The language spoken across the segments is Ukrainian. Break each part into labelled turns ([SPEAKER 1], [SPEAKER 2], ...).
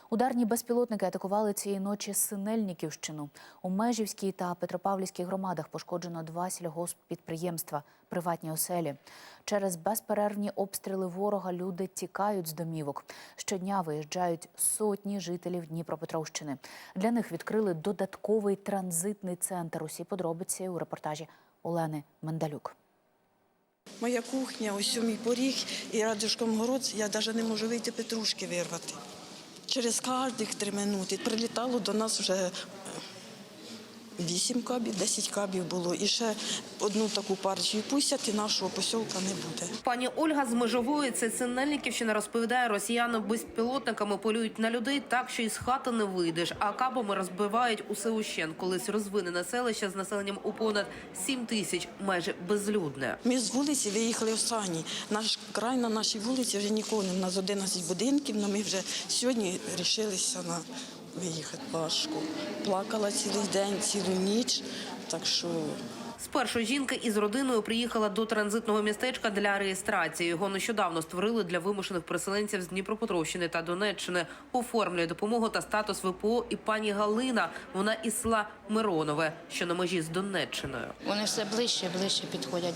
[SPEAKER 1] Ударні безпілотники атакували цієї ночі Синельниківщину. У Межівській та Петропавлівській громадах пошкоджено 2 сільгосппідприємства, приватні оселі. Через безперервні обстріли ворога люди тікають з домівок. Щодня виїжджають сотні жителів Дніпропетровщини. Для них відкрили додатковий транзитний центр. Усі подробиці у репортажі Олени Мендалюк.
[SPEAKER 2] Моя кухня, ось мій поріг і рядышком город, я навіть не можу вийти петрушки вирвати. Через кожних 3 минути прилітало до нас вже 8 кабів, 10 кабів було. І ще одну таку партію пустять, і нашого посілка не буде.
[SPEAKER 3] Пані Ольга з Межової, це Синельниківщина, розповідає, росіяни безпілотниками полюють на людей так, що із хати не вийдеш, а кабами розбивають усе ущент. Колись розвинене селище з населенням у понад 7 тисяч, майже безлюдне.
[SPEAKER 2] Ми з вулиці виїхали останні. Наш край на нашій вулиці вже нікого не. У нас 11 будинків, але ми вже сьогодні вирішилися на виїхати важко. Плакала цілий день, цілу ніч, так що...
[SPEAKER 3] Спершу жінка із родиною приїхала до транзитного містечка для реєстрації. Його нещодавно створили для вимушених переселенців з Дніпропетровщини та Донеччини. Оформлює допомогу та статус ВПО і пані Галина. Вона із села Миронове, що на межі з Донеччиною.
[SPEAKER 4] Вони все ближче і ближче підходять,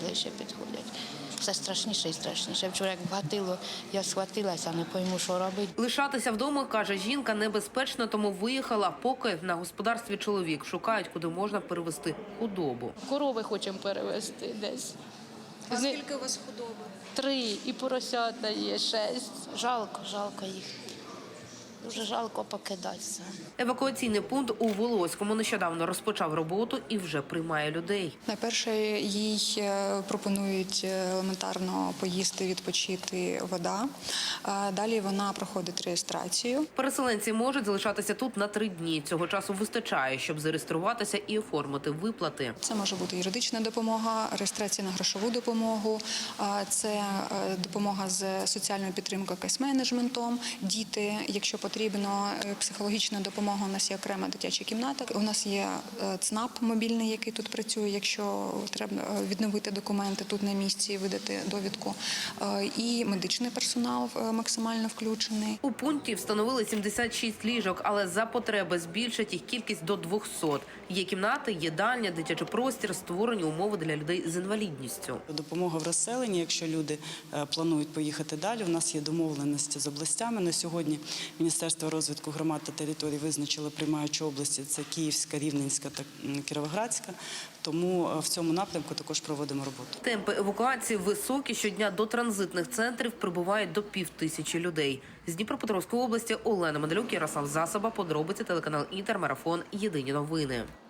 [SPEAKER 4] Все страшніше і страшніше. Вчора як вгатило, я схватилася, не пойму, що робити.
[SPEAKER 3] Лишатися вдома, каже жінка, небезпечно, тому виїхала, поки на господарстві чоловік. Шукають, куди можна перевезти худобу.
[SPEAKER 4] Корови хочемо перевезти десь.
[SPEAKER 5] А скільки у вас худоби?
[SPEAKER 4] 3, і поросята є 6. Жалко їх. Дуже жалко покидатися.
[SPEAKER 3] Евакуаційний пункт у Волоському нещодавно розпочав роботу і вже приймає людей.
[SPEAKER 5] Найперше їй пропонують елементарно поїсти, відпочити, вода. Далі вона проходить реєстрацію.
[SPEAKER 3] Переселенці можуть залишатися тут на 3 дні. Цього часу вистачає, щоб зареєструватися і оформити виплати.
[SPEAKER 5] Це може бути юридична допомога, реєстрація на грошову допомогу, це допомога з соціальною підтримкою, кейс-менеджментом, діти, якщо потрібно, психологічна допомога, у нас є окрема дитяча кімната, у нас є ЦНАП мобільний, який тут працює, якщо треба відновити документи тут на місці, видати довідку, і медичний персонал максимально включений.
[SPEAKER 3] У пункті встановили 76 ліжок, але за потреби збільшать їх кількість до 200. Є кімнати, їдальня, дитячий простір, створені умови для людей з інвалідністю.
[SPEAKER 6] Допомога в розселенні, якщо люди планують поїхати далі, у нас є домовленості з областями. На сьогодні Міністерство розвитку громад та територій визначило приймаючі області – це Київська, Рівненська та Кіровоградська. Тому в цьому напрямку також проводимо роботу.
[SPEAKER 3] Темпи евакуації високі. Щодня до транзитних центрів прибувають до 5000 людей. З Дніпропетровської області Олена Мендалюк, Ярослав Засоба, подробиці, телеканал Інтер, марафон, єдині новини.